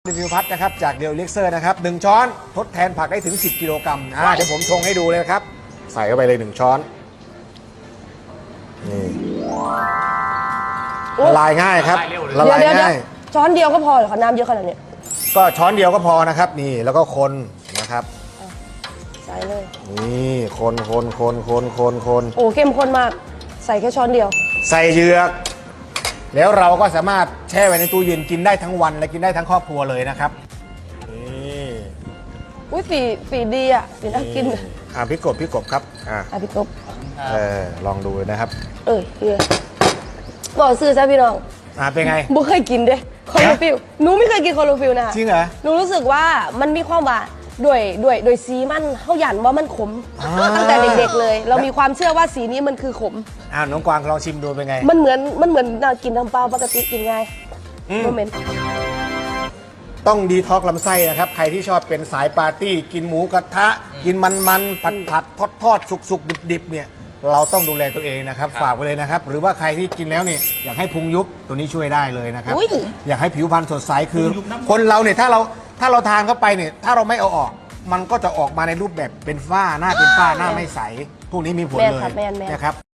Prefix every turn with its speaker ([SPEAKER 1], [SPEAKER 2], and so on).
[SPEAKER 1] รีวิวพัดนะครับจากเดลเล็กเซอร์นะครับ1ช้อนทดแทนผักได้ถึง10 กิโลกรัมเดี๋ยวผมชงให้ดูเลยครับใส่เข้าไปเลย1ช้อนนี่ละลายง่ายครับละลายง่าย
[SPEAKER 2] ช้อนเดียวก็พอเหรอคะน้ำเยอะขนาดนี้
[SPEAKER 1] ก็ช้อนเดียวก็พอนะครับนี่แล้วก็คนนะครับ
[SPEAKER 2] ใส่เลย
[SPEAKER 1] นี่คนโ
[SPEAKER 2] อ้เข้มข้นมากใส่แค่ช้อนเดียว
[SPEAKER 1] ใส่เหยือกแล้วเราก็สามารถแช่ไว้ในตู้เย็นกินได้ทั้งวันและกินได้ทั้งครอบครัวเลยนะครับนี่
[SPEAKER 2] อุ้ยฝีดีอ่ะฝีน่ากิน
[SPEAKER 1] พี่กบครับ
[SPEAKER 2] พี่กบ
[SPEAKER 1] ลองดูนะครับ
[SPEAKER 2] เฮียบอกซื้อซะพี่น้อง
[SPEAKER 1] เป็นไง
[SPEAKER 2] บุเคยกินเด้คอโลฟิลหนูไม่เคยกินคอโลฟิลนะคะ
[SPEAKER 1] จริงเหรอ
[SPEAKER 2] หนูรู้สึกว่ามันมีความหวานด้วยสีมันเขาหยันว่ามันขมตั้งแต่เด็กๆเลยเรามีความเชื่อว่าสีนี้มันคือขม
[SPEAKER 1] น้องกวางลองชิมดูเป็นไง
[SPEAKER 2] มันเหมือนกินน้ำเปล่าปกติกินง่ายโมเมนต์
[SPEAKER 1] ต้องดีท็อกลำไส้นะครับใครที่ชอบเป็นสายปาร์ตี้กินหมูกระทะกินมันผัดทอดสุกดิบเนี่ยเราต้องดูแลตัวเองนะครับฝากไว้เลยนะครับหรือว่าใครที่กินแล้วเนี่ยอยากให้พุงยุบตัวนี้ช่วยได้เลยนะครับอยากให้ผิวพรรณสดใสคือคนเราเนี่ยถ้าเราทานเข้าไปเนี่ยถ้าเราไม่เอาออกมันก็จะออกมาในรูปแบบเป็นฝ้าหน้าเป็นฝ้าหน้าไม่ใสพวกนี้มีผลเลยนะครับ